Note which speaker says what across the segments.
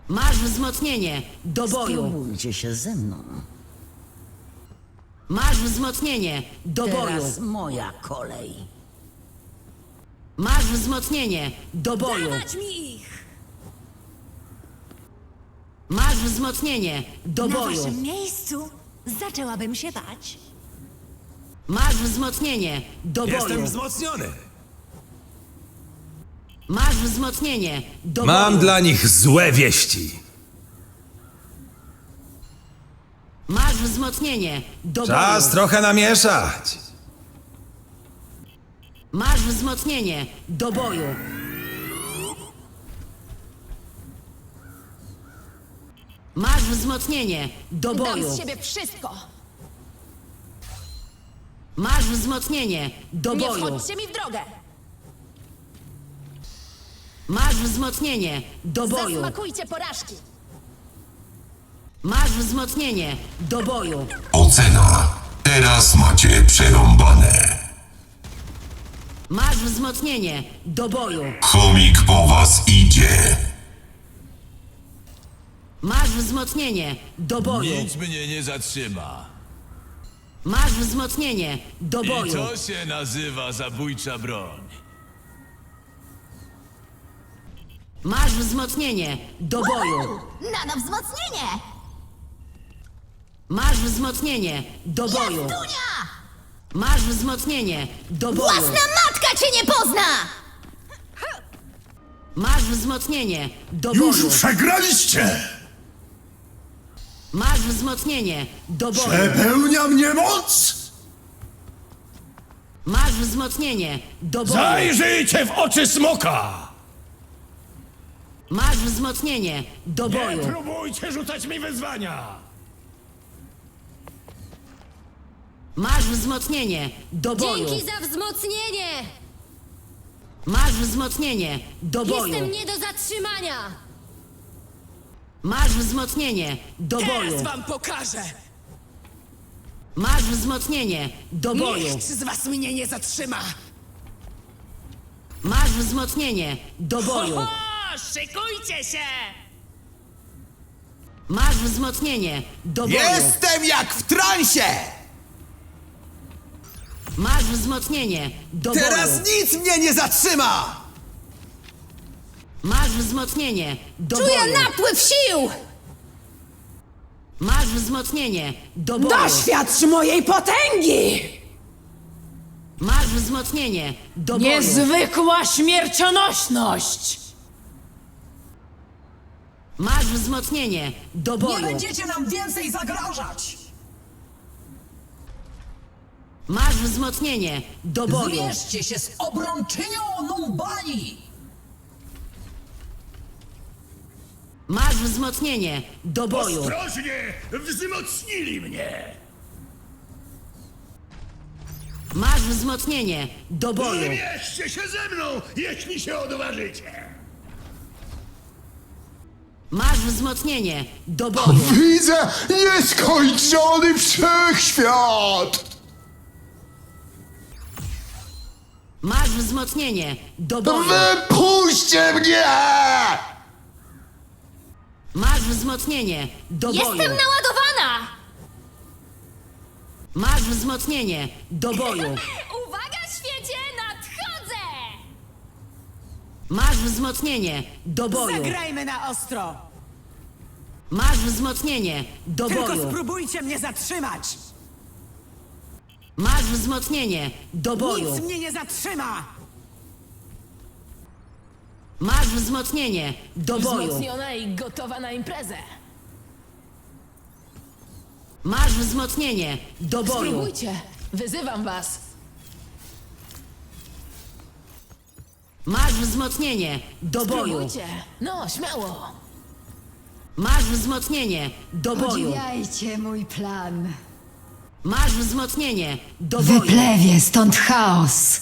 Speaker 1: Masz wzmocnienie. Do boju.
Speaker 2: Spróbujcie się ze mną.
Speaker 1: Masz wzmocnienie. Do boju.
Speaker 2: Teraz moja kolej.
Speaker 1: Masz wzmocnienie. Do boju.
Speaker 3: Dawać mi ich!
Speaker 1: Masz wzmocnienie. Do
Speaker 3: Na
Speaker 1: boju.
Speaker 3: waszym miejscu zaczęłabym się bać.
Speaker 1: Masz wzmocnienie. Do boju.
Speaker 4: Jestem wzmocniony.
Speaker 1: Masz wzmocnienie. Do
Speaker 4: Mam
Speaker 1: boju.
Speaker 4: dla nich złe wieści.
Speaker 1: Masz wzmocnienie. Do
Speaker 4: Czas
Speaker 1: boju.
Speaker 4: trochę namieszać.
Speaker 1: Masz wzmocnienie. Do boju. Masz wzmocnienie. Do
Speaker 3: Dam
Speaker 1: boju.
Speaker 3: z siebie wszystko!
Speaker 1: Masz wzmocnienie. Do
Speaker 3: Nie
Speaker 1: boju.
Speaker 3: wchodźcie mi w drogę!
Speaker 1: Masz wzmocnienie. Do boju.
Speaker 3: Zasmakujcie porażki!
Speaker 1: Masz wzmocnienie. Do boju.
Speaker 5: Ocena. Teraz macie przerąbane.
Speaker 1: Masz wzmocnienie. Do boju.
Speaker 5: Chomik po was idzie.
Speaker 1: Masz wzmocnienie. Do boju.
Speaker 6: Nic mnie nie zatrzyma.
Speaker 1: Masz wzmocnienie. Do
Speaker 6: I
Speaker 1: boju.
Speaker 6: to się nazywa zabójcza broń.
Speaker 1: Masz wzmocnienie. Do boju.
Speaker 3: Na wzmocnienie!
Speaker 1: Masz wzmocnienie. Do boju.
Speaker 3: Dunia!
Speaker 1: Masz wzmocnienie. Do boju.
Speaker 3: matka cię nie pozna!
Speaker 1: Masz wzmocnienie. Do
Speaker 7: Już
Speaker 1: boju.
Speaker 7: przegraliście!
Speaker 1: Masz wzmocnienie. Do boju.
Speaker 7: Przepełnia mnie moc!
Speaker 1: Masz wzmocnienie. Do boju.
Speaker 7: Zajrzyjcie w oczy smoka!
Speaker 1: Masz wzmocnienie. Do
Speaker 7: Nie
Speaker 1: boju.
Speaker 7: próbujcie rzucać mi wyzwania!
Speaker 1: Masz wzmocnienie. Do boju.
Speaker 8: za wzmocnienie!
Speaker 1: Masz wzmocnienie. Do boju.
Speaker 8: nie do zatrzymania!
Speaker 1: Masz wzmocnienie. Do boju.
Speaker 9: wam pokażę!
Speaker 1: Masz wzmocnienie. Do boju.
Speaker 9: Nikt z was mnie nie zatrzyma!
Speaker 1: Masz wzmocnienie. Do boju.
Speaker 9: O, szykujcie się!
Speaker 1: Masz wzmocnienie. Do boju.
Speaker 4: Jestem jak w transie!
Speaker 1: Masz wzmocnienie. Do
Speaker 4: Teraz
Speaker 1: boju.
Speaker 4: nic mnie nie zatrzyma!
Speaker 1: Masz wzmocnienie. Do
Speaker 3: Czuję
Speaker 1: boju.
Speaker 3: napływ sił!
Speaker 1: Masz wzmocnienie. Do boju.
Speaker 9: Doświadcz mojej potęgi!
Speaker 1: Masz wzmocnienie. Do boju.
Speaker 9: Niezwykła śmiercionośność!
Speaker 1: Masz wzmocnienie. Do boju.
Speaker 9: będziecie nam więcej zagrażać!
Speaker 1: Masz wzmocnienie. Do boju.
Speaker 9: Zmierzcie się z obrączynią Numbani!
Speaker 1: Masz wzmocnienie. Do boju.
Speaker 7: Ostrożnie! Wzmocnili mnie!
Speaker 1: Masz wzmocnienie. Do boju.
Speaker 7: Zmierzcie się ze mną, jeśli się odważycie!
Speaker 1: Masz wzmocnienie. Do boju.
Speaker 10: Widzę nieskończony wszechświat!
Speaker 1: Masz wzmocnienie. Do boju.
Speaker 10: Wypuśćcie mnie!
Speaker 1: Masz wzmocnienie. Do boju.
Speaker 3: naładowana!
Speaker 1: Masz wzmocnienie. Do boju.
Speaker 8: Uwaga, świecie, nadchodzę!
Speaker 1: Masz wzmocnienie. Do boju.
Speaker 9: Zagrajmy na ostro!
Speaker 1: Masz wzmocnienie. Do boju.
Speaker 9: spróbujcie mnie zatrzymać!
Speaker 1: Masz wzmocnienie. Do boju.
Speaker 9: mnie nie zatrzyma!
Speaker 1: Masz wzmocnienie. Do boju.
Speaker 8: i gotowa na imprezę!
Speaker 1: Masz wzmocnienie. Do boju.
Speaker 8: Wyzywam was!
Speaker 1: Masz wzmocnienie. Do boju.
Speaker 8: No, śmiało!
Speaker 1: Masz wzmocnienie. Do boju.
Speaker 2: Podziwiajcie mój plan.
Speaker 1: Masz wzmocnienie. Do boju.
Speaker 2: Wyplewie stąd chaos.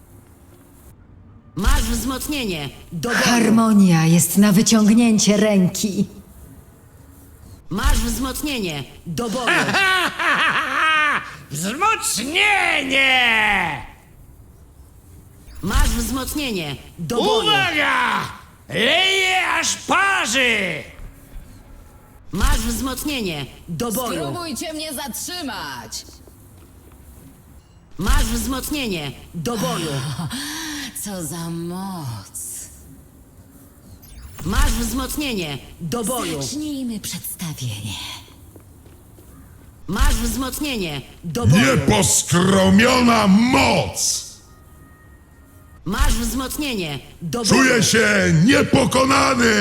Speaker 1: Masz wzmocnienie. Do boju.
Speaker 2: Harmonia jest na wyciągnięcie ręki.
Speaker 1: Masz wzmocnienie. Do boju.
Speaker 7: Wzmocnienie!
Speaker 1: Masz wzmocnienie. Do boju.
Speaker 7: Uwaga! Leje aż parzy!
Speaker 1: Masz wzmocnienie. Do boju.
Speaker 8: Spróbujcie mnie zatrzymać.
Speaker 1: Masz wzmocnienie. Do boju.
Speaker 2: Co za moc.
Speaker 1: Masz wzmocnienie. Do boju.
Speaker 2: Zacznijmy przedstawienie.
Speaker 1: Masz wzmocnienie. Do boju.
Speaker 10: Nieposkromiona moc!
Speaker 1: Masz wzmocnienie. Do boju.
Speaker 10: Czuję się niepokonany!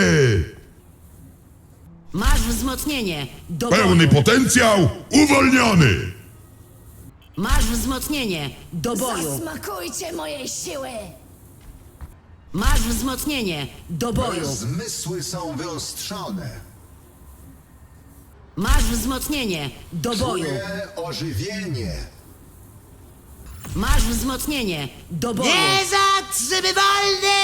Speaker 1: Masz wzmocnienie. Do
Speaker 10: Pełny
Speaker 1: boju.
Speaker 10: potencjał uwolniony!
Speaker 1: Masz wzmocnienie. Do boju.
Speaker 3: Smakujcie mojej siły!
Speaker 1: Masz wzmocnienie. Do boju.
Speaker 10: Zmysły są wyostrzone.
Speaker 1: Masz wzmocnienie. Do boju.
Speaker 10: ożywienie.
Speaker 1: Masz wzmocnienie. Do boju.
Speaker 9: Niezatrzymywalny!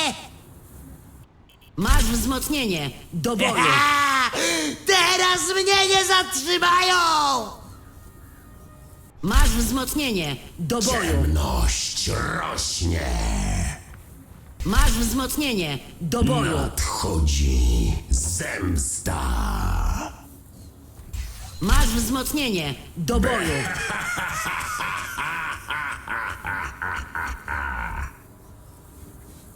Speaker 1: Masz wzmocnienie. Do boju.
Speaker 9: Teraz mnie nie zatrzymają!
Speaker 1: Masz wzmocnienie. Do boju.
Speaker 10: Ciemność rośnie.
Speaker 1: Masz wzmocnienie. Do boju.
Speaker 10: Nadchodzi zemsta.
Speaker 1: Masz wzmocnienie. Do boju.